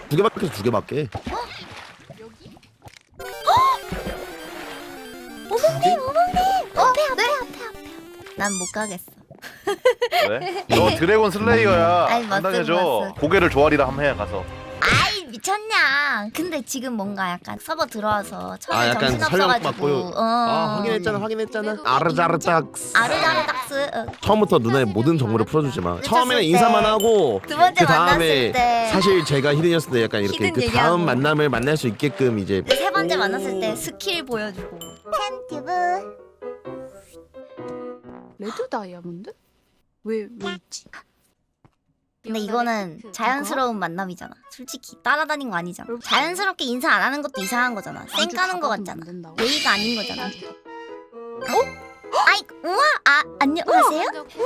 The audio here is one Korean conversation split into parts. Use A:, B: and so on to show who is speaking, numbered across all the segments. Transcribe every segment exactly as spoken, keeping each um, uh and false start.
A: 두 개밖에 두 개밖에.
B: 어머님 어머님 앞에 앞에 앞에 앞에 난 못 가겠어.
C: 왜? 너 드래곤 슬레이어야.
B: 아이, 맞음,
C: 당당해줘.
B: 맞음.
C: 고개를 조아리라 함 해 가서.
B: 아이 미쳤냐. 근데 지금 뭔가 약간 서버 들어와서 처음에
A: 아, 약간
B: 정신없어가지고
A: 설령
B: 어.
A: 아 확인했잖아 확인했잖아. 아르자르딱스.
B: 아르자르닥스 어.
A: 처음부터 누나의 모든 정보를 풀어주지 마.
B: 미쳤을
A: 처음에는
B: 때.
A: 인사만 하고
B: 두 번째
A: 그 다음에
B: 만났을 때
A: 사실 제가 히든이었을 때 약간 이렇게
B: 히든
A: 그
B: 얘기하고.
A: 다음 만남을 만날 수 있게끔 이제
B: 세 번째 만났을 때 스킬 보여주고. 팬티브.
D: 레드 다이아몬드? 왜, 왜 있지?
B: 근데 이거는 자연스러운 만남이잖아. 솔직히 따라다닌 거 아니잖아. 자연스럽게 인사 안 하는 것도 이상한 거잖아. 쌩 까는 거 같잖아. 예의가 아닌 거잖아. 어? 아이 우와 아 안녕하세요?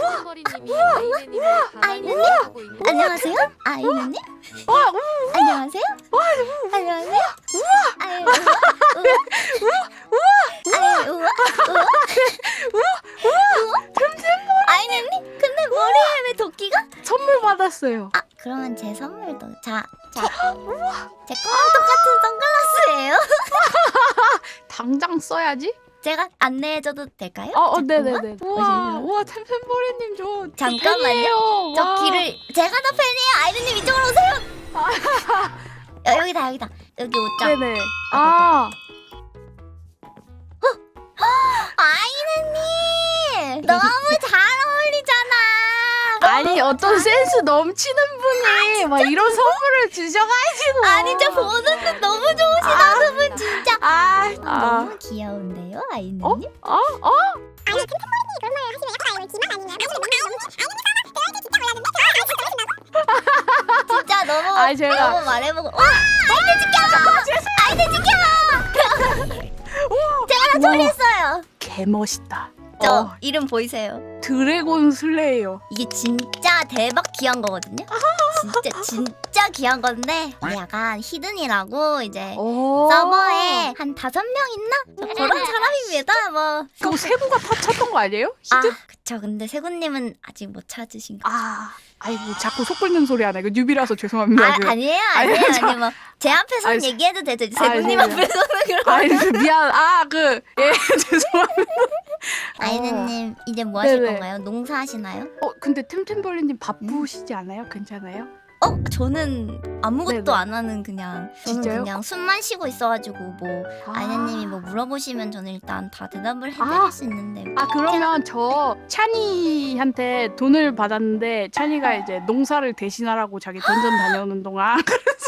B: 아이는님? 안녕하세요? 아이는님? 안녕하세요? 안녕하세요? 아이 우와 아이 우와 우와 아이는님? 근데 머리에 왜 도끼가?
D: 선물 받았어요.
B: 아 그러면 제 선물도 자 자 제 거랑 똑같은 선글라스예요.
D: 당장 써야지.
B: 제가 안내해줘도 될까요?
D: 어, 어
B: 잠깐만.
D: 네네네. 우와, 우와, 템템버리님 저
B: 잠깐만요.
D: 팬이에요.
B: 저
D: 와.
B: 길을 제가 더 팬이에요. 아이드님 이쪽으로 오세요. 여, 여기다 여기다 여기 옷장.
D: 네네. 아,
B: 아이드님 너무 잘 어울리잖아.
D: 아니 어떤 센스 넘치는 분이 막 이런 선물을 주셔가지고.
B: 아니 저 보는 눈 너무 좋으시다 두 분 진짜.
D: 아, 아,
B: 너무 귀여운데요 아이드님?
D: 어, 어, 어?
B: 진짜 너무
D: 아이, 제가-
B: 너무 말해보고 와 아이들 지켜 아이들 지켜. 제가 다
D: 우와.
B: 처리했어요.
D: 개 멋있다.
B: 저
D: 어,
B: 이름 보이세요?
D: 드래곤 슬레이어.
B: 이게 진짜 대박 귀한 거거든요. 진짜 진짜 귀한 건데 이게 약간 히든이라고 이제
D: 오.
B: 서버에 한 다섯 명 있나? 저 그런 사람입니다. 뭐.
D: 그거 세구가 다 쳤던 거 아니에요?
B: 아
D: 히든?
B: 그쵸. 근데 세군님은 아직 못 찾으신 거.
D: 아, 아이 뭐 자꾸 속 끓는 소리 하네. 그 뉴비라서 죄송합니다.
B: 아
D: 그.
B: 아니에요 아니에요
D: 아니, 저-
B: 아니 뭐 제 앞에서
D: 아니,
B: 얘기해도 되죠.
D: 아니,
B: 세군님
D: 아니,
B: 앞에서는 그런.
D: 아이 그 미안. 아, 그 예, 죄송합니다.
B: 아이는님 이제 뭐 하실
D: 네네.
B: 건가요? 농사하시나요?
D: 어, 근데 템템벌리님 바쁘시지 않아요? 괜찮아요?
B: 어 저는 아무것도
D: 네네.
B: 안 하는 그냥 저는
D: 진짜요?
B: 그냥 숨만 쉬고 있어가지고 뭐
D: 아.
B: 아이는님이 뭐 물어보시면 저는 일단 다 대답을 해드릴
D: 아.
B: 수 있는데.
D: 아, 그러면 저 찬이한테 돈을 받았는데 찬이가 이제 농사를 대신하라고 자기 던전 다녀오는 동안 그래서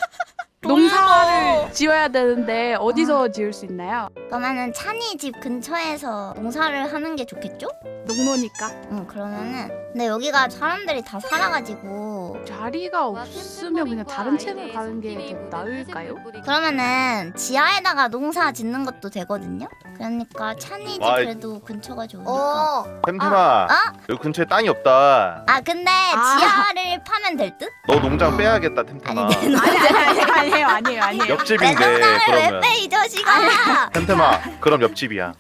D: 농사를 지어야 되는데 어디서 지을 수 있나요?
B: 그러면은 찬이 집 근처에서 농사를 하는 게 좋겠죠?
D: 농노니까
B: 응 그러면은 근데 여기가 사람들이 다 살아가지고
D: 자리가 없으면 그냥 다른 채널 가는 게 더 나을까요?
B: 그러면은 지하에다가 농사 짓는 것도 되거든요? 그러니까 찬이 집
C: 아이.
B: 그래도 근처가 좋으니까
D: 어.
C: 템템아.
B: 아.
C: 여기 근처에 땅이 없다.
B: 아 근데
D: 아.
B: 지하를 파면 될 듯?
C: 너 농장 빼야겠다, 템템아.
B: 아니 내
D: 아니 아니 아니 아니에요 아니에요 아니에요.
B: 내
C: 옆집인데
B: 농장을 왜
C: 그러면.
B: 빼 이 자식아.
C: 템템아, 그럼 옆집이야.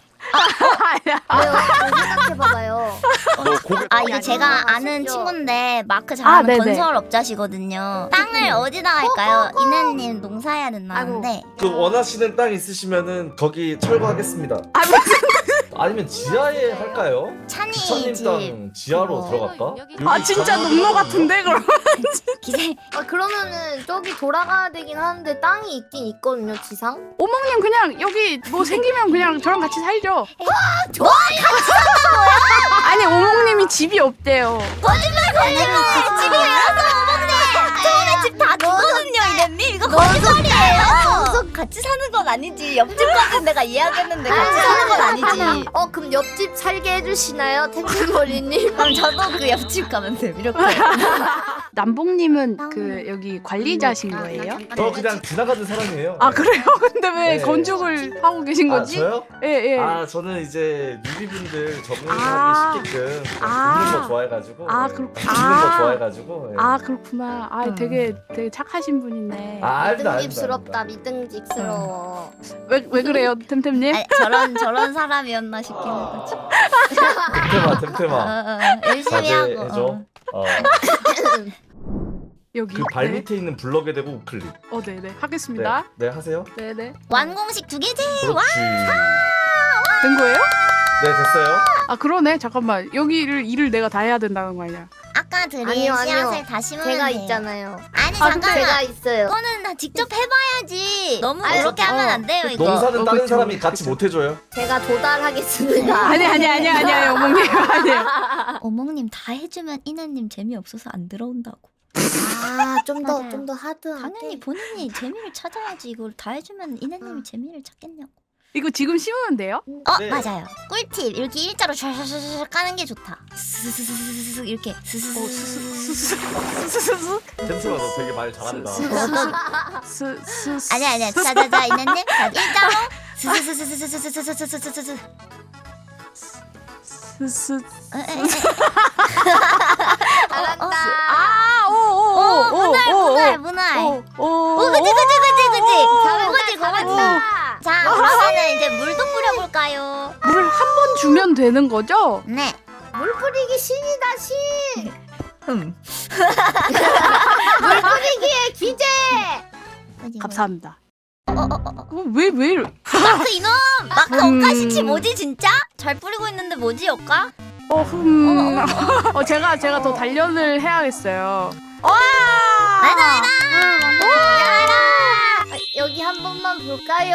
B: 생각해봐봐요.
C: 너 고개.
B: 아 이게
D: 아니,
B: 제가
D: 아니,
B: 아는
D: 아쉽죠.
B: 친구인데 마크
D: 아,
B: 잘하는
D: 네네.
B: 건설업자시거든요. 땅을 어디다 할까요? 이나님 농사해야 된다는데.
E: 그 원하시는 땅 있으시면은 거기 철거하겠습니다.
D: 아,
E: 아니면 지하에 할까요?
B: 찬이
E: 기차님
B: 집
E: 땅 지하로
B: 그거.
E: 들어갈까?
D: 아
E: 여기
D: 진짜
E: 가만히
D: 농노
E: 있거든요.
D: 같은데 그럼?
B: 기세
F: 아 그러면은 저기 돌아가야 되긴 하는데 땅이 있긴 있거든요 지상.
D: 오목님 그냥 여기 뭐 생기면 그냥 저랑 같이 살죠.
B: 좋아 같이
D: 아니 오목님이 집이 없대요.
B: 거짓말 거짓말 집이 왜어서 어머니 처음에 집 다 주거든요 이랬니? 이거 거짓말이에요. 같이 사는 건 아니지. 옆집까지 내가 이야기했는데 같이 사는 건 아니지.
F: 어 그럼 옆집 살게 해주시나요 템템버리님?
B: 그럼 저도 그 옆집 가면 돼 이렇게.
D: 남봉님은 그 여기 관리자신 거예요?
E: 저 그냥 지나가는 사람이에요.
D: 아 그래요? 근데 왜
E: 네.
D: 건축을 하고 계신
E: 아,
D: 거지?
E: 저요?
D: 예 예.
E: 아 저는 이제 뉴비분들 적응하기
D: 아.
E: 쉽게끔
D: 아.
E: 죽는 거 좋아해가지고
D: 아,
E: 네.
D: 그렇구-
E: 죽는
D: 아.
E: 거 좋아해가지고 네.
D: 아 그렇구나. 아
B: 음.
D: 되게 되게 착하신 분이네.
E: 아, 알다,
F: 미등집스럽다
E: 알다.
F: 미등직스러워.
D: 왜 왜 그래요, 템템님?
B: 아니, 저런 저런 사람이었나 싶기는 하지.
E: 템템아
B: 어,
E: 템템아
B: 어, 어, 열심히 하고.
E: 자제해줘.
B: 어.
E: 어.
D: 여기.
E: 그 발
D: 네.
E: 밑에 있는 블럭에 대고 우클릭.
D: 어, 네네.
E: 네,
D: 하겠습니다.
E: 네 하세요.
D: 네네.
B: 완공식 두 개지.
E: 그렇지.
D: 된 거예요?
E: 네 됐어요.
D: 아 그러네. 잠깐만. 여기를 일을 내가 다 해야 된다는 거 아니야?
B: 아까 드린
F: 아니요, 아니요.
B: 씨앗을 다 심으면
F: 제가
B: 돼요.
F: 있잖아요.
B: 아니
D: 아,
B: 잠깐만.
F: 제가 있어요.
B: 이거는 다 직접 해봐야지. 너무
F: 아니,
B: 그렇게
D: 어.
B: 하면 안 돼요 이거.
E: 농사는
D: 어,
E: 다른
D: 그쵸,
E: 사람이 같이
D: 그쵸.
E: 못 해줘요.
F: 제가 도달하겠습니다.
D: 아니 아니 아니 아니 아니 어머님 아니에요.
B: 어몽님 다 해주면 이나님 재미없어서 안 들어온다고.
F: 아, 좀 더
B: 맞아요.
F: 좀 더 하드하게.
B: 당연히 본인이 재미를 찾아야지. 이걸 다 해주면 이나님이
F: 아.
B: 재미를 찾겠냐고.
D: 이거 지금 심으면 돼요?
B: 어
E: 네.
B: 맞아요. 꿀팁 이렇게 일자로 샤샤샤샤 까는 게 좋다. 스스스스스스 이렇게
D: 어,
B: 스스스스.
D: 스스스스스스
E: 템스가 너 되게 말 잘한다.
D: 스스스
B: 아니 아니야. 자자자 이나님 자 일자로 스스스스스스스스스스스스.
D: 스스
F: 잘한다.
B: 오 문알 문알
D: 아오오오오오오
B: 문알.
D: 오, 오,
B: 오 그지 그지 그지 그지.
F: 잘한다,
B: 그거지 그거지.
F: 잘한다.
B: 자 그러면은 이제 물도 뿌려볼까요?
D: 물 한 번 주면 되는 거죠?
B: 네.
F: 물 뿌리기 신이다 신.
B: 음.
F: 물 뿌리기의 기재.
D: 감사합니다.
B: 어, 어, 어, 어.
D: 왜왜 이래?
B: 마크 이놈! 마크
D: 음.
B: 억가시치 뭐지 진짜? 잘 뿌리고 있는데 뭐지 억가?
D: 어, 흠. 어, 제가 제가 더 단련을 해야겠어요. 와!
B: 맞아 맞아!
F: 아, 여기 한 번만 볼까요?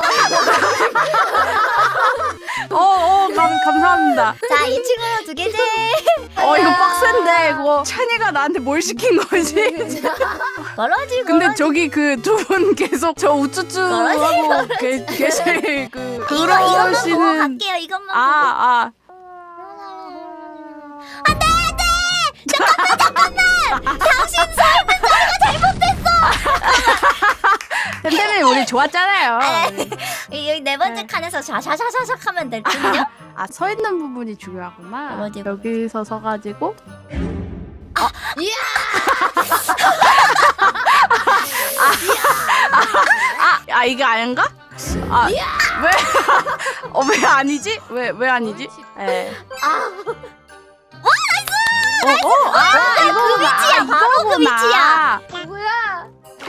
D: 어, 어, 감, 감사합니다.
B: 자 이 친구는 두 개지?
D: 어, 이거 빡센데 이거 찬이가 나한테 뭘 시킨 거지?
B: 걸어지
D: 근데
B: 걸어지.
D: 저기 그 두 분 계속 저 우쭈쭈 하고 계- 계실 그
B: 이거 이것만 보고
D: 그러시는
B: 갈게요 이것만 보고.
D: 아, 아.
B: 안돼 안돼! 잠깐만 잠깐만! 당신 삶은 자리가 잘못됐어!
D: 템템이 우리 좋았잖아요.
B: 이- 여기 네 번째
D: 네.
B: 칸에서 샤샤샤샥 하면 될 듯요?
D: 아, 서 있는 부분이 중요하구나.
B: 그러지.
D: 여기서 서 가지고
F: 이야!
D: 아, 아 이게 아닌가? 아, 왜? 어, 왜 아니지? 왜 왜 아니지? 예.
F: 아,
D: 어, 어, 아,
B: 그
D: 이거구나.
B: 위치야, 바로 그
D: 이거구나.
F: 뭐야?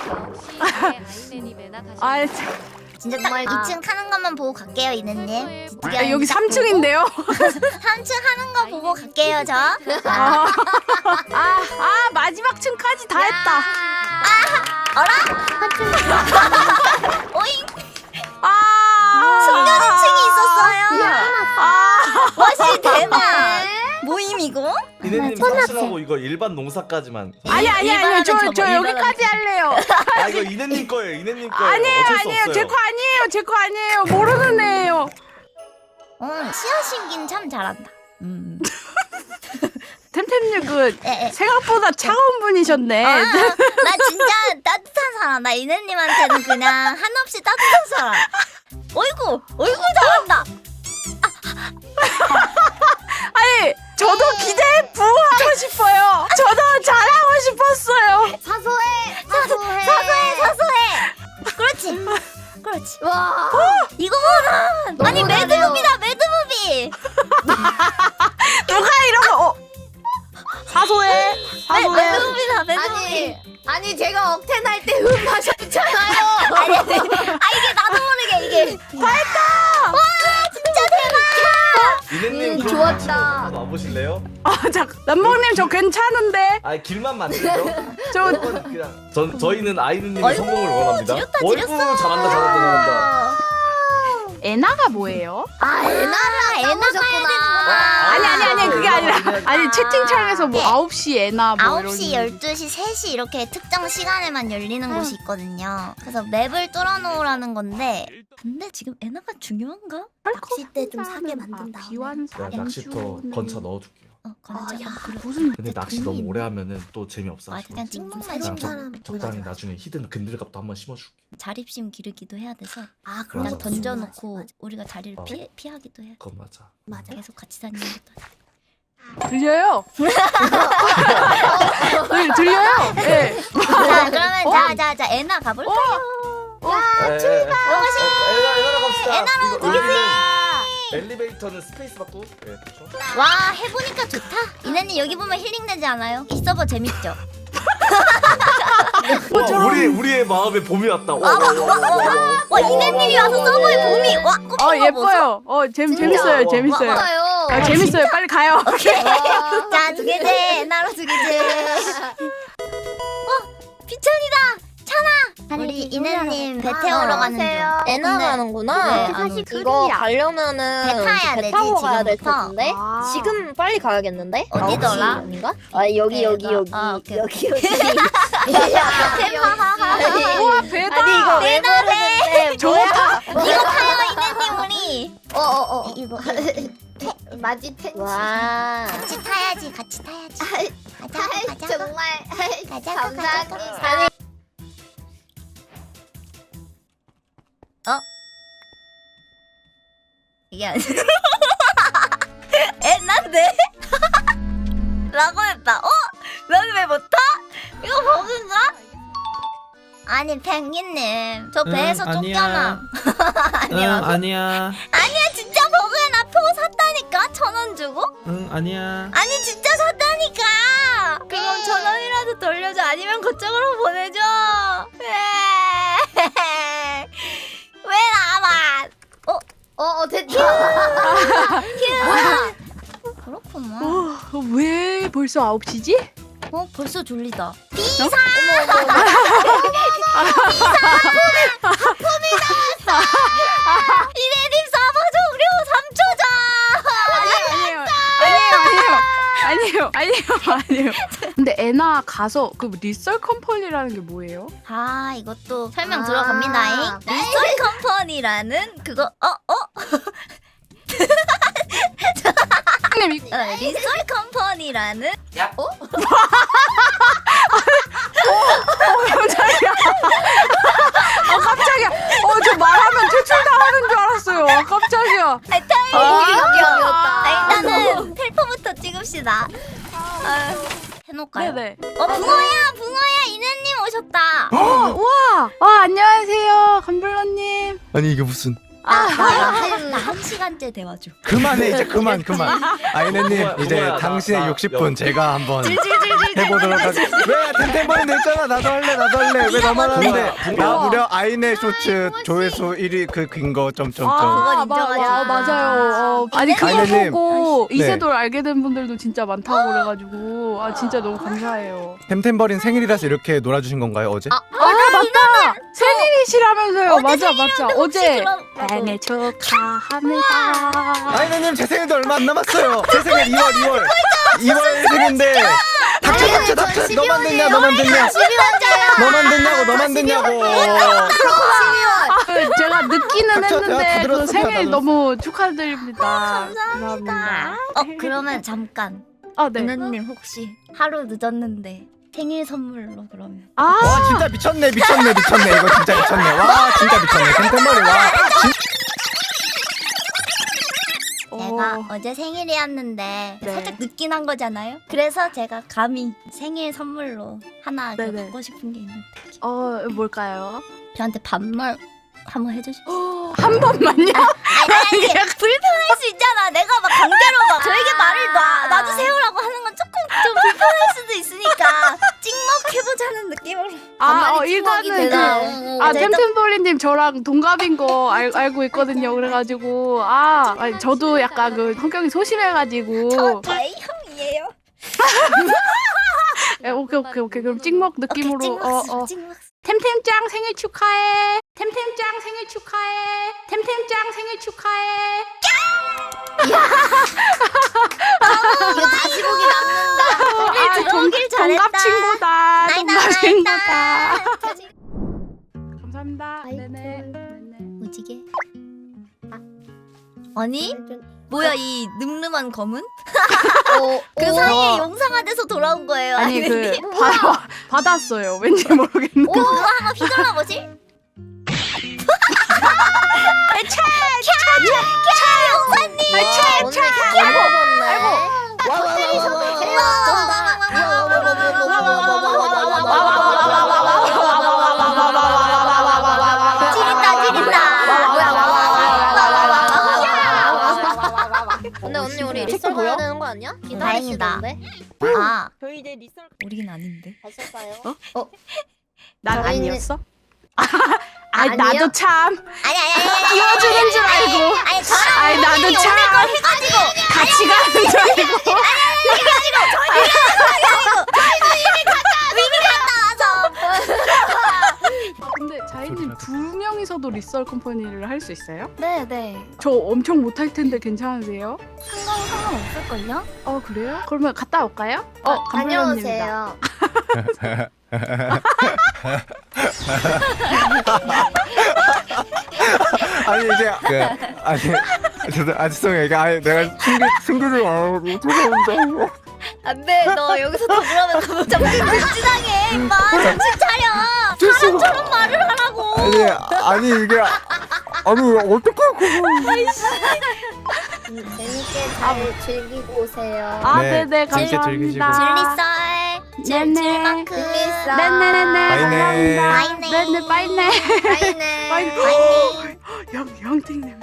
D: 아, 참.
B: 진짜 딱
F: 정말
B: 이 층 하는 것만 보고 갈게요 이네님.
D: 아, 여기 삼 층인데요.
B: 삼 층 하는 거 보고 갈게요 저.
D: 아, 아, 아, 마지막 층까지 다 했다.
B: 오잉
D: 아,
B: 숨겨진 층이 있었어요.
D: 아,
B: 와씨 대박. 모임 이거?
E: 이네님 사실하고 이거 일반 농사까지만.
D: 아니 아니 아니요.
B: 일반하는
D: 저
B: 저거,
D: 저
B: 일반하는
D: 여기까지 할래요.
E: 아 이거 이네님 거예요. 이네님 거예요.
D: 아니에요,
E: 어쩔 수
D: 아니에요.
E: 없어요.
D: 제 거 아니에요. 제 거 아니에요. 모르는 애예요.
B: 응 씨앗 심긴 참 잘한다. 음.
D: 템템님 그
B: 에, 에.
D: 생각보다 차가운 분이셨네.
B: 아, 나 진짜 따뜻한 사람. 나 이네님한테는 그냥 한없이 따뜻한 사람. 어이구, 어이구 잘한다.
D: 아니, 저도 기대에 부응하고 싶어요. 저도 잘하고 싶었어요.
F: 사소해. 사소해.
B: 사소해, 사소해. 그렇지, 그렇지.
F: 와.
B: 이거는 아니
F: 너무
B: 매드무비다, 매드무비.
D: 누가 이런 거? 어. 사소해.
B: 매,
D: 사소해.
B: 매드무비다, 매드무비.
F: 아니, 아니 제가 억텐 할 때 흠 하셨잖아요.
B: 아니, 아니, 아 이게 나도 모르게 이게.
E: 이네님
F: 음,
E: 그럼
F: 좋았다.
E: 한번 와보실래요?
D: 아, 자, 남봉님 저 괜찮은데.
E: 아 길만 만들죠.
D: 저
E: 이건 그냥 전 저희는 아이누님의
B: 어이구,
E: 성공을 원합니다.
B: 지렸다,
E: 어이구
B: 지렸어.
E: 잘한다 잘한다 잘한다.
D: 에나가 뭐예요?
F: 아, 에나라
B: 에나
F: 써보셨구나.
D: 아니 아니 아니 그게 아니라 아니
B: 아.
D: 채팅창에서 뭐
B: 네.
D: 아홉 시 에나 뭐
B: 아홉 시,
D: 이런
B: 열두 시, 세 시 이렇게 특정 시간에만 열리는 곳이 있거든요. 그래서 맵을 뚫어놓으라는 건데 근데 지금 에나가 중요한가?
F: 낚싯대 좀 사게 만든
D: 아,
F: 다음에.
D: 비완사
E: 내가 낚시터 건차 넣어줄게요.
B: 어, 건져.
F: 아, 야.
B: 그래.
D: 무슨
E: 근데 낚시 너무 오래 하면은 또 재미없어.
B: 아, 그냥 찍먹만
F: 살찐
E: 그냥
B: 시켜.
F: 사람.
E: 적, 적당히 나중에 히든 근들갑도 한번 심어줄게.
B: 자립심 기르기도 해야 돼서
F: 아,
E: 그런
B: 그냥
E: 거
B: 던져놓고
F: 맞아,
B: 우리가 자리를
E: 어.
B: 피해, 피하기도 해.
E: 그건 맞아.
F: 맞아.
B: 계속 같이 다니는 것도 아니고.
D: 들려요? 들, 들려요? 예.
B: 자 그러면 자자자 에나 가볼까요?
E: 야 출발. 에나 에나로 갑시다.
B: 에나로
E: 이거 여기는 엘리베이터는 스페이스 받고. 예 그렇죠.
B: 와 해보니까 좋다. 이나님 여기 보면 힐링되지 않아요? 이 서버 재밌죠?
E: 와, 우리 우리의 마음에 봄이 왔다. 와,
B: 와,
E: 와, 와, 와, 와, 와.
B: 와 이네님이 와서 서버에 봄이 와 꽃핀
D: 어
B: 거 보소?
D: 예뻐요. 어 재밌 재밌어요.
E: 와,
D: 재밌어요.
F: 맞아요.
D: 아, 재밌어요. 빨리 가요.
B: 오케이.
F: 와.
B: 자, 두 개째. 나로 두 개째. 어, 비천이다. 찬아. 우리 이네님 배 태우러 가는 중.
F: 애나
B: 근데
F: 가는구나.
B: 네, 안 오지.
F: 이거 가려면은
B: 배 타야
F: 배
B: 되지,
F: 타고 가야 될
B: 지금부터.
F: 텐데.
D: 아.
F: 지금 빨리 가야겠는데?
B: 어디더라?
F: 아홉 시 아닌가? 아 여기 여기
B: 배가-
F: 여기
B: 아, 오케이,
F: 여기 여기.
B: 하하하하.
D: 우와 배다.
F: 아니 이거 왜 모르는데 뭐야?
B: 이거 타요, 이네님 우리.
F: 어어어
B: 이거
F: 마지 텐. 와.
B: 같이 타야지, 같이 타야지. 가자, 가자.
F: 정말
B: 가자,
F: 감사합니다.
B: 가자. 어? 이게 아니야. 애난데? 라고 했다. 어? 난 왜 못타? 이거 버그인가? 아니 펭귄님 저
E: 응,
B: 배에서
E: 아니야.
B: 쫓겨나.
E: 응,
B: 아니라고?
E: 아니야.
B: 아니야 진짜 버그야. 나 표 샀다니까. 천 원 주고?
E: 응, 아니야.
B: 아니 진짜 샀다니까. 그럼 천 원이라도 돌려줘. 아니면 그쪽으로 보내줘. 왜? 왜 나만? 어?
F: 어어 됐다.
B: 휴. 그렇구만.
D: 어, 왜 벌써 아홉 시지?
B: 어 벌써 졸리다.
D: 비상!
B: 이네님 서버 종료 삼 초 전.
D: 아니에요. 아니에요. 아니에요. 아니에요. 아니에요. 근데 애나 가서 그 리썰 컴퍼니라는 게 뭐예요?
B: 아 이것도 설명
F: 아.
B: 들어갑니다. 리썰 컴퍼니라는 그거 어 어?
D: 형님 이-
B: 어, 리썰 컴퍼니라는
D: 어 깜짝이야. 아 깜짝이야. 어 저 말하면 퇴출당하는 줄 알았어요. 아, 깜짝이야.
B: 아, 아, 일단은 텔포부터 찍읍시다. 아, 해놓을까요?
D: 네네.
B: 어 붕어야 붕어야 이네님 오셨다.
D: 우와. 와 안녕하세요 감블러님.
G: 아니 이게 무슨
B: 나한 시간째 대화 중.
G: 그만해 이제 그만 그만 아이네님
E: 뭐야,
G: 이제
E: 뭐야, 나-
G: 당신의
E: 나-
G: 육십
E: 여-
G: 분 제가 한번
B: 질질질질.
G: 해보도록 하겠습니다. 왜 템템버린 됐잖아. 나도 할래 나도 할래. 왜 나만 하는데. 나 무려 아이네 쇼츠 조회수 일 위 그 근거 점점점.
B: 그건
D: 마-
B: 인정하지.
D: 와, 맞아요. 어, 아니 그거
G: 아이네님.
D: 보고
G: 네.
D: 이세돌 알게 된 분들도 진짜 많다고 그래가지고 아 진짜 너무 감사해요.
G: 템템버린 생일이라서 이렇게 놀아주신 건가요 어제?
D: 아 맞다 생일이시라면서요.
B: 어제
D: 맞아 맞아 어제
B: 그럼-
D: 생일 축하합니다.
G: 아이네님 제 생일도 얼마 안 남았어요. 제 생일 이월 이월 이월 생인데 닥쳐 닥쳐 닥쳐. 너만 됐냐 너만 됐냐 너만 됐냐고 너만 됐냐고.
D: 그 제가 늦기는
G: 닥쳐, 내가 다
D: 했는데 그
G: 들었어, 다
D: 생일
G: 들었어.
D: 너무 축하드립니다.
B: 감사합니다. 어 그러면 잠깐.
D: 아 네.
B: 은혜님 혹시 하루 늦었는데 생일 선물로 그러면
D: 아
G: 와 진짜 미쳤네 미쳤네 미쳤네 이거 진짜 미쳤네. 와 진짜 미쳤네 템템버린 와. 진...
B: 제가
D: 어,
B: 어제 생일이었는데
D: 네.
B: 살짝 늦긴 한 거잖아요. 그래서 제가 감히 생일 선물로 하나 그
D: 네네.
B: 받고 싶은 게 있는데
D: 어 뭘까요?
B: 저한테 반말 한번 해주실 수 있어요?
D: 한 번만요?
B: 아니 아니 아니 불편할 수 있잖아. 내가 막 강제로 막 저에게 말을 놔, 놔주세요라고 하는 건 조금 좀 불편할 수도 있으니까 찍먹해보자는 느낌으로
D: 아 어,
F: 반말이
D: 일단은
F: 찍먹이 되나?
D: 그 아 템템돌리님 저랑 동갑인 거 알, 알고 있거든요. 그래가지고 아 아니, 저도 약간 그 성격이 소심해가지고
B: 저 저의 형이에요.
D: 에, 오케이 오케이 오케이 그럼 찍먹 느낌으로
B: 찍먹
D: 어 어
B: 찍먹.
D: 템템짱 생일 축하해. 템템짱 생일 축하해. 템템짱 생일 축하해.
F: 이거 다시 보기 남는다.
D: 아,
B: 들어오길
D: 동-
B: 잘했다.
D: 동갑 친구다. 동갑
B: 나이다,
D: 친구다.
B: 나이다.
D: 감사합니다.
F: 아이고.
D: 네네. 네네.
B: 무지개. 아니 뭐야 이 늠름한 검은?
F: 어,
B: 그
F: 어.
B: 사이에 용상화돼서 돌아온 거예요.
D: 아니 그
B: 아니면
D: 받아 받았어요. 왠지 모르겠는데.
B: 그거 한번 휘둘러 보실?
F: 와, 오늘 개 먹었네.
B: 지린다 지린다.
F: 근데 언니 우리
D: 체크
F: 리썰
D: 보여요?
F: 기다려야 되는 거 아니야? 기다리시던데.
B: 아
H: 저희 이제 리썰
B: 우리는 아닌데.
F: 가실까요?
D: 난
F: 저희는-
D: 아니었어? 아
F: 아니요?
D: 나도 참
B: 아니 아니 아니 아니
D: 끼워주는 줄 알고.
B: 아니 저랑
D: 아이 나도
B: 우리
D: 참
B: 오늘 걸 해가지고
D: 같이 가는 줄 알고. 근데 자이님 두 명이서도 리썰 컴퍼니를 할 수 있어요?
F: 네네.
D: 저 엄청 못할 텐데 괜찮으세요?
F: 상관 상관없을걸요?
D: 어 그래요? 그러면 갔다 올까요? 어 감독님입니다.
F: 다녀오세요.
G: 아니 이제 그 아니 죄송 아 죄송해요. 이게 아니 내가 숨기 숨기지 말고 죄송합니다.
B: 안돼 너 여기서 더 그러면 너 정신 불진하게 임마 정신 차려 사람처럼 말을 하라고
G: 아니 아니 이게 아니 어떻게 그거
F: 음, 재밌게 잘 즐기고 오세요.
D: 아
G: 네,
D: 네네
G: 재밌게
D: 감사합니다.
B: 진리썰
D: 네네.
B: 질만큼
F: 재밌어.
D: 네네네네
G: 바이네.
D: 감사합니다. 네네 빠이네.
F: 바이네.
D: 빠이네. 영 영팅님.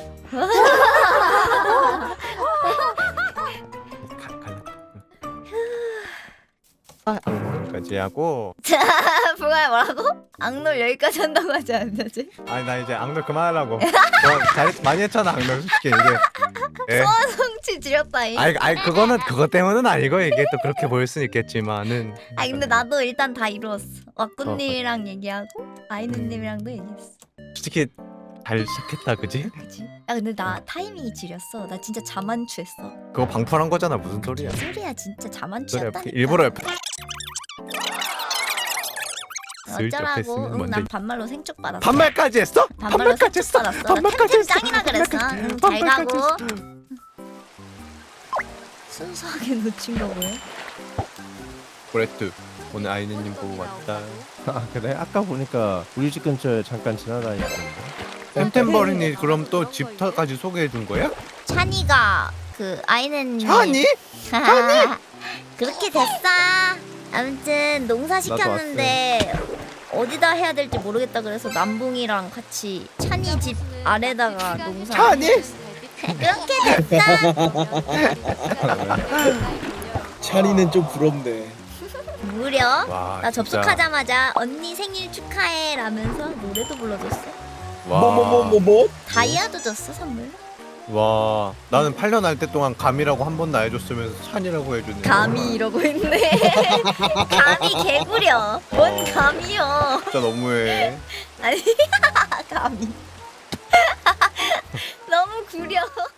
G: 까지 하고
B: 불가야 뭐라고? 악놀 여기까지 한다고 하지 않았지?
G: 아니 나 이제 악놀 그만하려고. 너 잘했 많이 했잖아 악놀 솔직히 이게. 예.
B: 성취 지렸다잉
G: 아이 아이 그거는 그것 때문은 아니고 이게 또 그렇게 보일 수는 있겠지만은.
B: 아 근데 나도 일단 다 이루었어 왁구님이랑 얘기하고 아이누님이랑도 얘기했어
G: 솔직히 잘 시작했다 그지?
B: 그치? 야 근데 나 타이밍이 지렸어 나 진짜 자만추했어
G: 그거 방풀한 거잖아 무슨 소리야?
B: 소리야 진짜
G: 그래
B: 자만추였다니까
G: 일부러 옆에 슬쩍
B: 어쩌라고
G: 했으면
B: 응,
G: 먼저
B: 난 반말로 생축 받았어
G: 반말까지 했어?
B: 반말로
G: 반말까지
B: 생축
G: 했어?
B: 받았어
G: 반말까지
B: 템템
G: 했어?
B: 짱이라 그랬어
G: 반말까지-
B: 응, 잘
G: 반말까지
B: 가고
G: 했어.
B: 순수하게 놓친 거 뭐야?
G: 브레트 오늘 아이네님 보고 왔다.
I: 아 그래? 아까 보니까 우리 집 근처에 잠깐 지나다니던데.
G: 템템버린이 그럼 또 집터까지 소개해 준 거야?
B: 찬이가 그 아이는
G: 찬이?
B: 그렇게 됐어. 아무튼 농사 시켰는데 어디다 해야 될지 모르겠다 그래서 남봉이랑 같이 찬이 집 아래다가 농사.
G: 찬이?
B: 그렇게 됐어.
E: 찬이는 좀 부럽네.
B: 무려
G: 와,
B: 나
G: 진짜.
B: 접속하자마자 언니 생일 축하해 라면서 노래도 불러줬어.
G: 와.
E: 뭐 뭐 뭐 뭐 뭐?
B: 다이아도 줬어 선물.
G: 와 나는 팔 년 할 때 동안 감이라고 한 번도 안 해줬으면서 찬이라고 해주는.
B: 감히 이러고 있네. 감히 개구려. 뭔 감이요?
G: 진짜 너무해.
B: 아니 감히. 너무 구려.